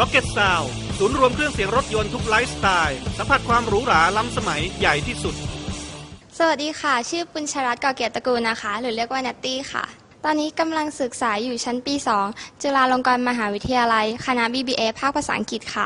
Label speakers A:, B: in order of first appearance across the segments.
A: Rocket Sound ศูนย์รวมเครื่องเสียงรถยนต์ทุกไลฟ์สไตล์สัมผัสความหรูหราล้ำสมัยใหญ่ที่สุด
B: สวัสดีค่ะชื่อปุญชรัตน์ก่อเกียรติตระกูลนะคะหรือเรียกว่านัตตี้ค่ะตอนนี้กำลังศึกษาอยู่ชั้นปี 2 จุฬาลงกรณ์มหาวิทยาลัยคณะ BBA ภาคภาษาอังกฤษค่ะ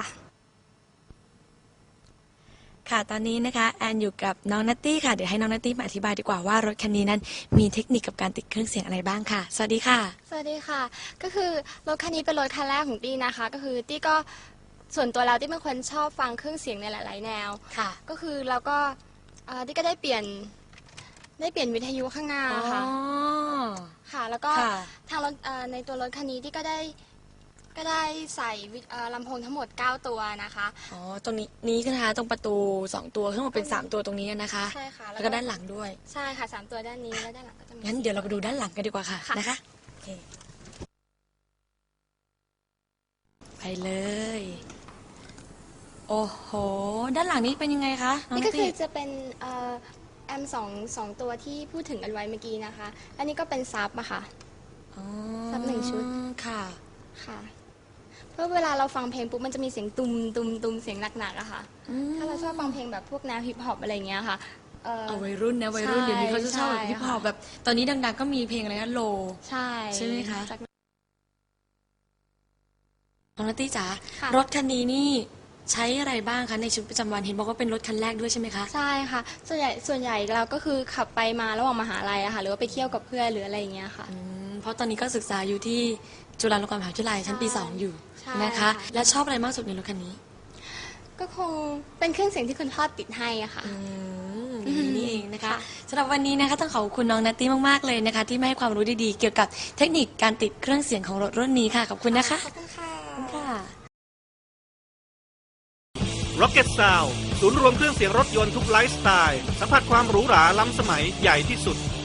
C: ค่ะตอนนี้นะคะแอนอยู่กับน้องนัตตี้ค่ะเดี๋ยวให้น้องนัตตี้มาอธิบายดีกว่าว่ารถคันนี้นั้นมีเทคนิคกับการติดเครื่องเสียงอะไรบ้างค่ะสวัสดีค่ะ
B: สวัสดีค่ะก็คือรถคันนี้เป็นรถคันแรกของตี้นะคะก็คือตี้ก็ส่วนตัวแล้วตี้เป็นคนชอบฟังเครื่องเสียงในหลาย ๆ แนว
C: ค่ะ
B: ก็คือเราก็ตี้ก็ได้เปลี่ยนวิทยุข้างหน้าค่ะค่ะแล้วก็ทางรถในตัวรถคันนี้ตี้ก็ได้ใส่ลำโพงทั้งหมด9ตัวนะคะ
C: อ๋อตรงนี้นะคะตรงประตู2ตัวทั้งหมดเป็น3ตัวตรงนี้นะคะ
B: ใช่ค่ะ
C: แล้วก็ด้านหลังด้วย
B: ใช่ค่ะ3ตัวด้านนี้และด้านหลังก็จะมี
C: งั้นเดี๋ยวเราไปดูด้านหลังกันดีกว่าค่ะนะคะโอเคไปเลยโอ้โหด้านหลังนี้เป็นยังไงคะ
B: นี่ก็คือจะเป็นแอมสองตัวที่พูดถึงกันไว้เมื่อกี้นะคะอันนี้ก็เป็นซับอะค่ะซับ1 ชุด
C: ค่ะ
B: ค่ะเพราะเวลาเราฟังเพลงปุ๊บมันจะมีเสียงตุมตุมตุมเสียงหนักๆอะค่ะถ้าเราชอบฟังเพลงแบบพวกแนวฮิปฮอปอะไรเงี้ยค่ะ
C: เอาวัยรุ่นนะวัยรุ่นเดี๋ยวนี้เขาจะชอบฮิปฮอปแบบตอนนี้ดังๆก็มีเพลงอะไรนะโลใช่ไหมคะน้องนัตตี้จ๋ารถคันนี้นี่ใช้อะไรบ้างคะในชีวิตประจำวันเห็นบอกว่าเป็นรถคันแรกด้วยใช่ไหมคะ
B: ใช่ค่ะส่วนใหญ่เราก็คือขับไปมาระหว่างมหาลัยอะค่ะหรือว่าไปเที่ยวกับเพื่อนหรืออะไรอย่างเงี้ยค่ะ
C: เพราะตอนนี้ก็ศึกษาอยู่ที่จุฬาลงกรณ์มหาวิทยาลัยชั้นปี 2อยู่นะคะและชอบอะไรมากสุดในรถคันนี้
B: ก็คงเป็นเครื่องเสียงที่คุณพ่อติดให้อะค่ะ
C: นี่เองนะคะสำหรับวันนี้นะคะต้องขอบคุณน้องนัตตี้มากๆเลยนะคะที่มาให้ความรู้ดีๆเกี่ยวกับเทคนิคการติดเครื่องเสียงของรถรุ่นนี้ค่ะขอบคุณนะคะ
B: ขอบคุณค่ะ
A: Rocket Sound ศูนย์รวมเครื่องเสียงรถยนต์ทุกไลฟ์สไตล์สัมผัสความหรูหราล้ำสมัยใหญ่ที่สุด